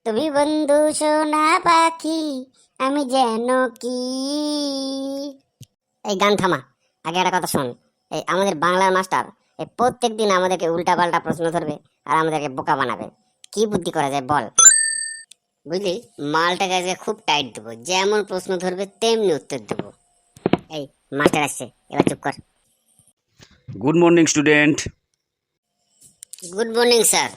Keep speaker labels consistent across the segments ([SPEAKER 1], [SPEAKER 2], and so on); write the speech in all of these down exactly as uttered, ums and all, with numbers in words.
[SPEAKER 1] তুমি বন্ধু সোনা পাখি, আমি যেন কি। এই গান থামা, আগে একটা কথা শোন। এই আমাদের বাংলার মাস্টার এই প্রত্যেক দিন আমাদেরকে উল্টা পাল্টা প্রশ্ন ধরবে আর আমাদেরকে বোকা বানাবে। কি বুদ্ধি করা যায় বল? বুঝলি, মালটাকে আজকে খুব টাইট দেবো, যেমন প্রশ্ন ধরবে তেমনি উত্তর দেবো। এই মাস্টার আসছে, এবার চুপ কর।
[SPEAKER 2] Good morning student.
[SPEAKER 1] Good morning sir.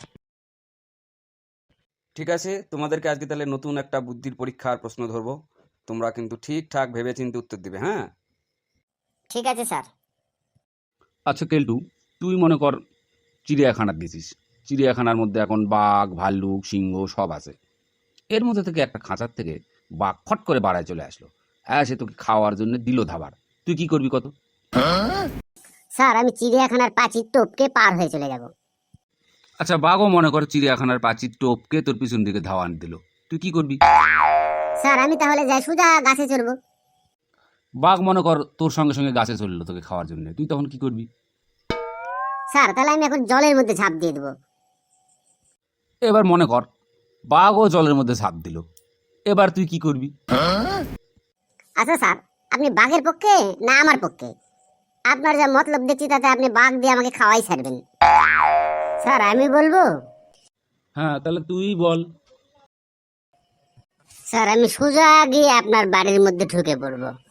[SPEAKER 2] ঠিক আছে, তোমাদেরকে আজকে তাহলে নতুন একটা বুদ্ধির পরীক্ষার প্রশ্ন ধরবো। তোমরা কিন্তু ঠিকঠাক ভেবে চিন্তে উত্তর দিবে, হ্যাঁ?
[SPEAKER 1] ঠিক আছে স্যার।
[SPEAKER 2] আচ্ছা কেলটু, তুই মনে কর চিড়িয়াখানার গেছিস। চিড়িয়াখানার মধ্যে এখন বাঘ, ভাল্লুক, সিংহ সব আছে। এর মধ্যে থেকে একটা খাঁচার থেকে বাঘ ফট করে বাড়ায় চলে আসলো, হ্যাঁ, সে তোকে খাওয়ার জন্য দিল ধাবার। তুই কি করবি কত?
[SPEAKER 1] স্যার, আমি চিড়িয়াখানার পাঁচির টপকে পার হয়ে চলে যাব।
[SPEAKER 2] আচ্ছা, বাঘও মনে কর চিড়িয়াখানার প্রাচীর টপকে তোর পিছন দিকে ধাওয়ান দিল, তুই কি করবি?
[SPEAKER 1] স্যার, আমি তাহলে যাই সোজা গাছে চড়বো।
[SPEAKER 2] বাঘ মনে কর তোর সঙ্গে সঙ্গে গাছে চললো তোকে খাওয়ার জন্য, তুই তখন কি করবি?
[SPEAKER 1] স্যার, তাহলে আমি এখন জলের মধ্যে ঝাঁপ দিয়ে দেবো।
[SPEAKER 2] এবার মনে কর বাঘও জলের মধ্যে ঝাঁপ দিল, এবার তুই কি করবি?
[SPEAKER 1] আচ্ছা স্যার, আপনি বাঘের পক্ষে না আমার পক্ষে? আপনার যা মতলব দেখছি তাতে আপনি বাঘ দিয়ে আমাকে খাওয়াই ছাড়বেন। স্যার, আমি বলবো।
[SPEAKER 2] হ্যাঁ, তাহলে তুই বল।
[SPEAKER 1] স্যার, আমি সোজা গিয়ে আপনার বাড়ির মধ্যে ঢুকে পড়বো।